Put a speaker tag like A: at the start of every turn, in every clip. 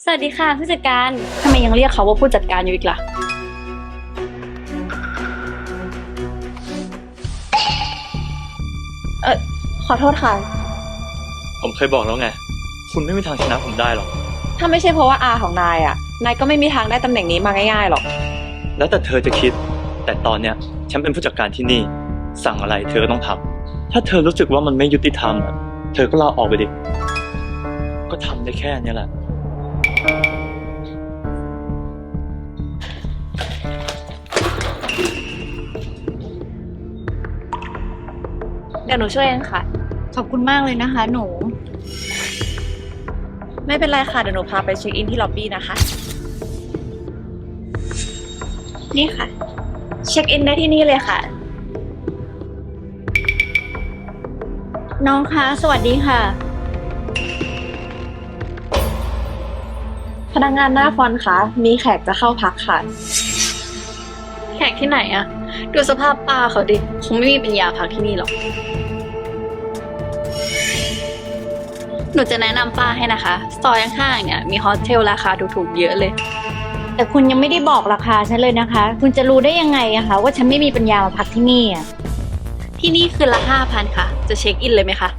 A: สวัสดีค่ะผู้จัดการทำไมยังเรียกเขาว่าผู้จัดการอยู่อีกล่ะขอโทษค่ะ
B: ผมเคยบอกแล้วไงคุณไม่มีทางชนะผมได้หรอก
C: ถ้าไม่ใช่เพราะว่าอาของนายอ่ะนายก็ไม่มีทางได้ตำแหน่งนี้มาง่ายๆหรอก
B: แล้วแต่เธอจะคิดแต่ตอนเนี้ยฉันเป็นผู้จัดการที่นี่สั่งอะไรเธอก็ต้องทำถ้าเธอรู้สึกว่ามันไม่ยุติธรรมอะเธอก็ลาออกไปดิก็ทำได้แค่นี้แหละ
C: เดี๋ยวหนูช่วยเองค่ะ
A: ขอบคุณมากเลยนะคะหนู
C: ไม่เป็นไรค่ะเดี๋ยวหนูพาไปเช็คอินที่ล็อบบี้นะคะนี่ค่ะเช็คอินได้ที่นี่เลยค่ะ
A: น้องคะสวัสดีค่ะ
C: พนักงานหน้าฟอนต์คะมีแขกจะเข้าพักค่ะ
A: แขกที่ไหนอะดูสภาพป้าเขาดิคงไม่มีปัญญาพักที่นี่หรอกหนูจะแนะนำป้าให้นะคะซอยข้างๆเนี่ยมีโฮสเทลราคาถูกๆเยอะเลยแต่คุณยังไม่ได้บอกราคาฉันเลยนะคะคุณจะรู้ได้ยังไงอะคะว่าฉันไม่มีปัญญามาพักที่นี่อะที่นี่คืนละ5,000ค่ะจะเช็คอินเลยไหมคะ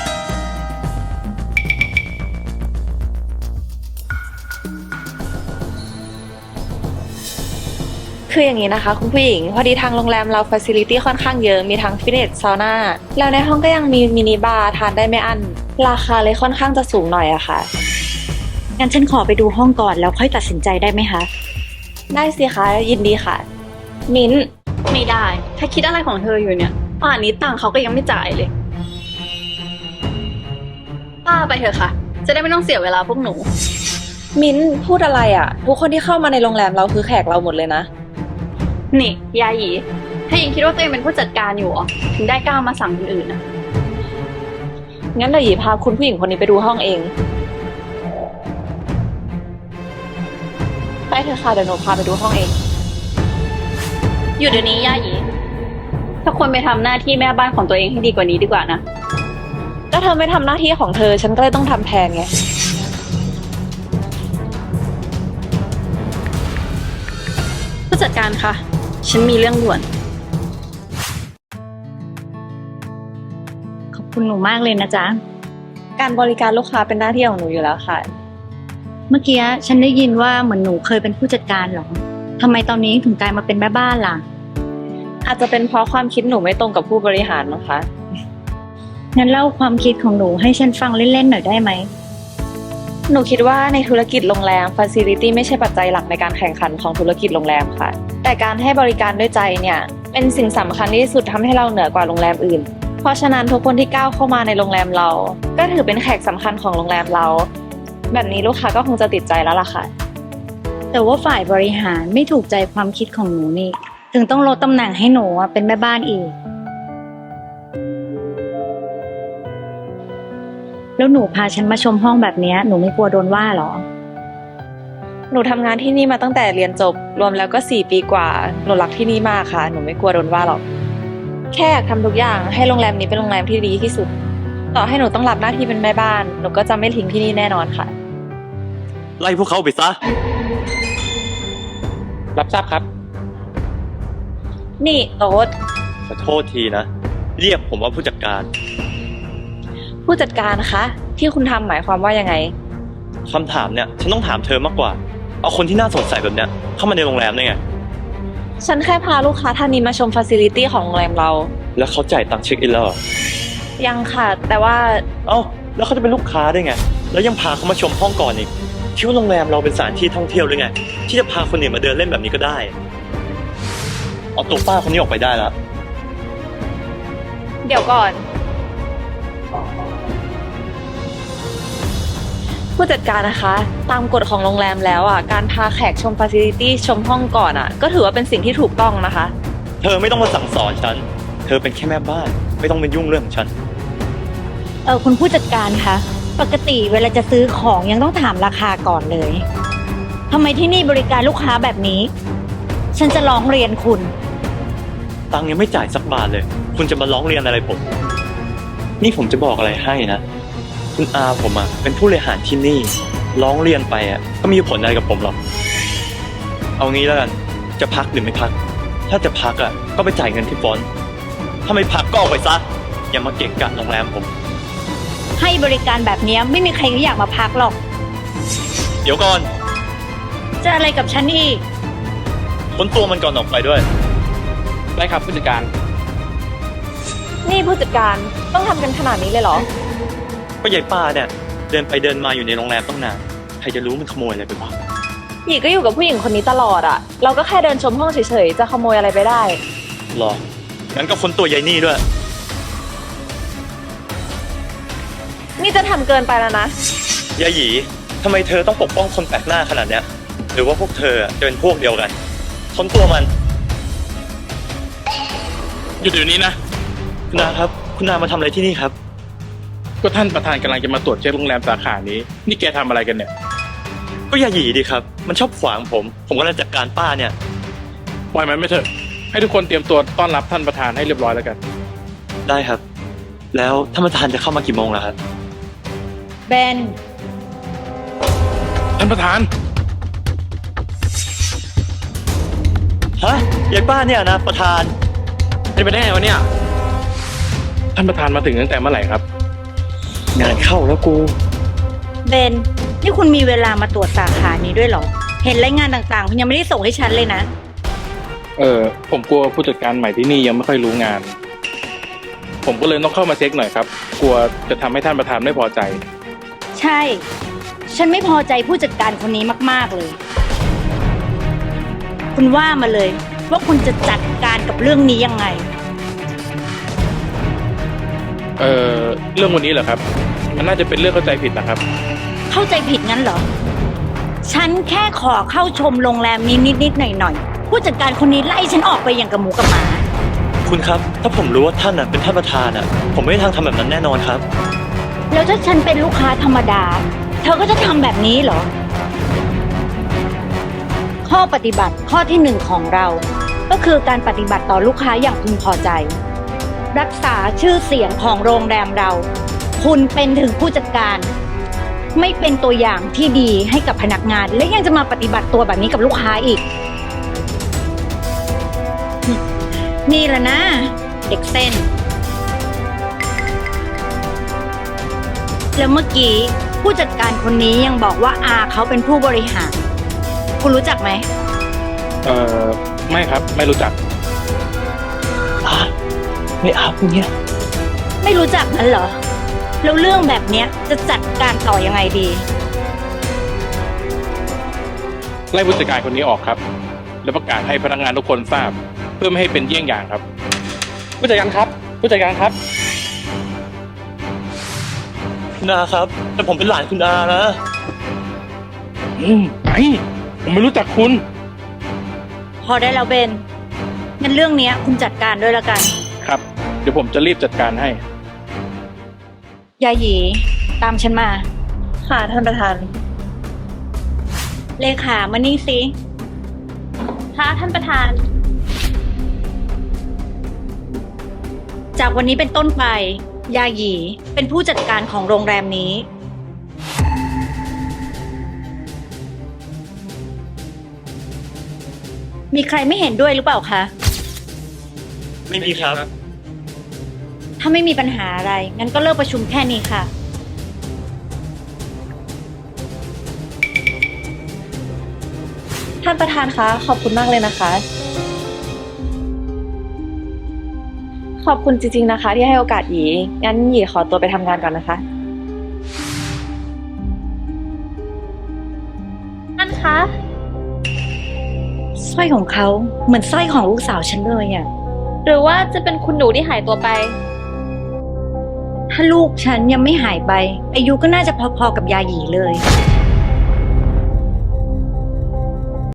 C: คืออย่างนี้นะคะคุณผู้หญิงพอดีทางโรงแรมเราฟ a ซิลิตี้ค่อนข้างเยอะมีทั้งฟิตเนสซาวน่าแล้วในห้องก็ยังมีมินิบาร์ทานได้ไม่อั้นราคาเลยค่อนข้างจะสูงหน่อยอะค่ะ
A: งั้นฉันขอไปดูห้องก่อนแล้วค่อยตัดสินใจได้ไหมคะ
C: ได้สิคะยินดีค่ะมิ้น
A: ไม่ได้ถ้าคิดอะไรของเธออยู่เนี่ยป่านนี้ตังค์เขาก็ยังไม่จ่ายเลยป้าไปเถอะค่ะจะได้ไม่ต้องเสียเวลาพวกหนู
C: มิ้นพูดอะไรอะทุกคนที่เข้ามาในโรงแรมเราคือแขกเราหมดเลยนะ
A: นี่ยาหยีถ้ายังคิดว่าตัวเองเป็นผู้จัดการอยู่อ๋อถึงได้กล้ามาสั่งคนอื่นนะ
C: งั้นเดี๋ยวหยีพาคุณผู้หญิงคนนี้ไปดูห้องเองไปเถอะค่ะเดี๋ยวหนูพาไปดูห้องเอง
A: อยู่เดี๋ยวนี้ยาหยีถ้าควรไปทำหน้าที่แม่บ้านของตัวเองให้ดีกว่านี้ดีกว่านะ
C: ก็เธอไม่ทำหน้าที่ของเธอฉันก็เลยต้องทำแทนไง
A: ผู้จัดการคะฉันมีเรื่องด่วนขอบคุณหนูมากเลยนะจ๊ะ
C: การบริการลูกค้าเป็นหน้าที่ของหนูอยู่แล้วค่ะ
A: เมื่อกี้ฉันได้ยินว่าเหมือนหนูเคยเป็นผู้จัดการเหรอทำไมตอนนี้ถึงกลายมาเป็นแม่บ้านล่ะ
C: อาจจะเป็นเพราะความคิดหนูไม่ตรงกับผู้บริหารมั้งคะ
A: งั้นเล่าความคิดของหนูให้ฉันฟังเล่นๆหน่อยได้ไหม
C: หนูคิดว่าในธุรกิจโรงแรม Facility ไม่ใช่ปัจจัยหลักในการแข่งขันของธุรกิจโรงแรมค่ะแต่การให้บริการด้วยใจเนี่ยเป็นสิ่งสำคัญที่สุดทำให้เราเหนือกว่าโรงแรมอื่นเพราะฉะนั้นทุกคนที่ก้าวเข้ามาในโรงแรมเราก็ถือเป็นแขกสำคัญของโรงแรมเราแบบนี้ลูกค้าก็คงจะติดใจแล้วล่ะค่ะ
A: แต่ว่าฝ่ายบริหารไม่ถูกใจความคิดของหนูนี่ถึงต้องลดตำแหน่งให้หนูเป็นแม่บ้านอีกแล้วหนูพาฉันมาชมห้องแบบนี้หนูไม่กลัวโดนว่าหรอ
C: หนูทำงานที่นี่มาตั้งแต่เรียนจบรวมแล้วก็4 ปีกว่าหนูรักที่นี่มากค่ะหนูไม่กลัวโดนว่าหรอกแค่อยากทำทุกอย่างให้โรงแรมนี้เป็นโรงแรมที่ดีที่สุดต่อให้หนูต้องรับหน้าที่เป็นแม่บ้านหนูก็จะไม่ทิ้งที่นี่แน่นอนค่ะ
B: ไล่พวกเขาไปซะรับทราบครับ
C: นี่โต๊ด
B: ขอโทษทีนะเรียกผมว่าผู้จัดการ
C: ผู้จัดการคะที่คุณทำหมายความว่ายังไง
B: คำถามเนี่ยฉันต้องถามเธอมากกว่าเอาคนที่น่าสงสัยแบบเนี้ยเข้ามาในโรงแรมได้ไง
C: ฉันแค่พาลูกค้าท่านนี้มาชมฟ a ซิลิตี้ของโรงแรมเรา
B: แล้วเขาจ่ายตังค์เช็คอินแล้ว
C: ยังค่ะแต่ว่า
B: เอ้าแล้วเขาจะเป็นลูกค้าได้ไงแล้วยังพาเขามาชมห้องก่อนอีกคิดว่าโรงแรมเราเป็นสถานที่ท่องเที่ยวหรือไงที่จะพาคนอื่นมาเดินเล่นแบบนี้ก็ได้เอาตัวป้าคนนี้ออกไปได้แล้ว
C: เดี๋ยวก่อนผู้จัดการนะคะตามกฎของโรงแรมแล้วการพาแขกชมฟ a ซิลิตี้ชมห้องก่อนก็ถือว่าเป็นสิ่งที่ถูกต้องนะคะ
B: เธอไม่ต้องมาสั่งสอนฉันเธอเป็นแค่แม่บ้านไม่ต้องเป็นยุ่งเรื่องของฉัน
A: คุณผู้จัดการคะปกติเวลาจะซื้อของยังต้องถามราคาก่อนเลยทำไมที่นี่บริการลูกค้าแบบนี้ฉันจะร้องเรียนคุณ
B: ตังค์ยังไม่จ่ายสักบาทเลยคุณจะมาร้องเรียนอะไรผมนี่ผมจะบอกอะไรให้นะคุณอาผมเป็นผู้บริหารที่นี่ร้องเรียนไปก็ไม่มีผลอะไรกับผมหรอก เอางี้แล้วกัน จะพักหรือไม่พัก ถ้าจะพักก็ไปจ่ายเงินที่ฟอนต์ถ้าไม่พักก็ออกไปซะ อย่ามาเกะกะโรงแรมผม
A: ให้บริการแบบเนี้ยไม่มีใครเขาอยากมาพักหรอก
B: เดี๋ยวก่อน
A: จะอะไรกับฉันอีก
B: ค้นตัวมันก่อนออกไปด้วย
D: ได้ครับผู้จัดการ
C: นี่ผู้จัดการต้องทำกันขนาดนี้เลยเหรอ
B: ก็ยายป้าเนี่ยเดินไปเดินมาอยู่ในโรงแรมตั้งนาน ใครจะรู้มันขโมยอะไรไปบ้าง
C: หยีก็อยู่กับผู้หญิงคนนี้ตลอดอะเราก็แค่เดินชมห้องเฉยๆจะขโมยอะไรไปได้
B: หรอ งั้นก็ค้นตัวยายนี่ด้วย
C: นี่จะทำเกินไปแล้วนะ
B: ยายหยีทำไมเธอต้องปกป้องคนแปลกหน้าขนาดเนี้ย หรือว่าพวกเธอจะเป็นพวกเดียวกัน ค้นตัวมัน
D: หยุดเดี๋ยวนี้นะ
B: คุณนาครับ คุณนามาทำอะไรที่นี่ครับ
D: ก็ท่านประธานกำลังจะมาตรวจเช็คโรงแรมสาขานี้ นี่แกทำอะไรกันเนี่ย
B: ก็ยายหยีดีครับ มันชอบขวางผม ผมกำลังจัดการป้าเนี่ย
D: ปล่อยมันไม่เถอะ ให้ทุกคนเตรียมตัวต้อนรับท่านประธานให้เรียบร้อยแล้วกัน
B: ได้ครับ แล้วท่านประธานจะเข้ามากี่โมงล่ะครับ
A: เบน
D: ท่านประธาน
B: ฮะ ยายป้าเนี่ยนะประธาน
D: เป็นไปได้ไงวะเนี่ย ท่านประธานมาถึงตั้งแต่เมื่อไหร่ครับ
B: งานเข้าแล้วกู
A: เบน นี่คุณมีเวลามาตรวจสาขานี้ด้วยเหรอ เห็นรายงานต่างๆ คุณยังไม่ได้ส่งให้ฉันเลยนะ
D: ผมกลัวผู้จัดการใหม่ที่นี่ยังไม่ค่อยรู้งาน ผมก็เลยต้องเข้ามาเช็คหน่อยครับ กลัวจะทำให้ท่านประธานไม่พอใจ
A: ใช่ ฉันไม่พอใจผู้จัดการคนนี้มากๆเลย คุณว่ามาเลย ว่าคุณจะจัดการกับเรื่องนี้ยังไง
D: เรื่องวันนี้เหรอครับ มันน่าจะเป็นเรื่องเข้าใจผิดนะครับ
A: เข้าใจผิดงั้นเหรอ ฉันแค่ขอเข้าชมโรงแรมนี้นิดๆหน่อยๆ ผู้จัดการคนนี้ไล่ฉันออกไปอย่างกับหมูกับหมา
B: คุณครับ ถ้าผมรู้ว่าท่านเป็นท่านประธานผมไม่มีทางทำแบบนั้นแน่นอนครับ
A: แล้วถ้าฉันเป็นลูกค้าธรรมดา เธอก็จะทำแบบนี้เหรอ ข้อปฏิบัติข้อที่หนึ่งของเรา ก็คือการปฏิบัติต่อลูกค้าอย่างพึงพอใจ รักษาชื่อเสียงของโรงแรมเรา คุณเป็นถึงผู้จัดการ ไม่เป็นตัวอย่างที่ดีให้กับพนักงาน และยังจะมาปฏิบัติตัวแบบนี้กับลูกค้าอีก นี่แหละนะ เด็กเส้น แล้วเมื่อกี้ผู้จัดการคนนี้ยังบอกว่าอาเขาเป็นผู้บริหาร คุณรู้จักไหม
D: ไม่ครับ ไม่รู้จัก
B: ไม่อาบเนี่ย
A: ไม่รู้จักนั้นเหรอ แล้วเรื่องแบบเนี้ยจะจัดการต่อยังไงดี
D: ไล่ผู้จัดการคนนี้ออกครับ แล้วประกาศให้พนักงานทุกคนทราบ เพื่อไม่ให้เป็นเยี่ยงอย่างครับ ผู้จัดการครับ ผู้จัดการครับ
B: คุณอาครับ แต่ผมเป็นหลานคุณอานะ
D: ไอ้ผมไม่รู้จักคุณ
A: พอได้แล้วเบน งั้นเรื่องเนี้ยคุณจัดการด้วยละกัน
D: ครับ เดี๋ยวผมจะรีบจัดการให้
A: ยาหยี ตามฉันมา
C: ค่ะท่านประธาน
A: เลขามานี่สิ
C: ค่ะท่านประธาน
A: จากวันนี้เป็นต้นไป ยาหยีเป็นผู้จัดการของโรงแรมนี้ มีใครไม่เห็นด้วยหรือเปล่าคะ
B: ไม่มีครับ
A: ถ้าไม่มีปัญหาอะไร งั้นก็เลิกประชุมแค่นี้ค่ะ
C: ท่านประธานคะ ขอบคุณมากเลยนะคะ ขอบคุณจริงๆนะคะ ที่ให้โอกาสหยี งั้นหยีขอตัวไปทำงานก่อนนะคะ ท่านคะ
A: สร้อยของเขาเหมือนสร้อยของลูกสาวฉันเลยอ่ะ
C: หรือว่าจะเป็นคุณหนูที่หายตัวไป
A: ถ้าลูกฉันยังไม่หายไป อายุก็น่าจะพอๆกับยาหยีเลย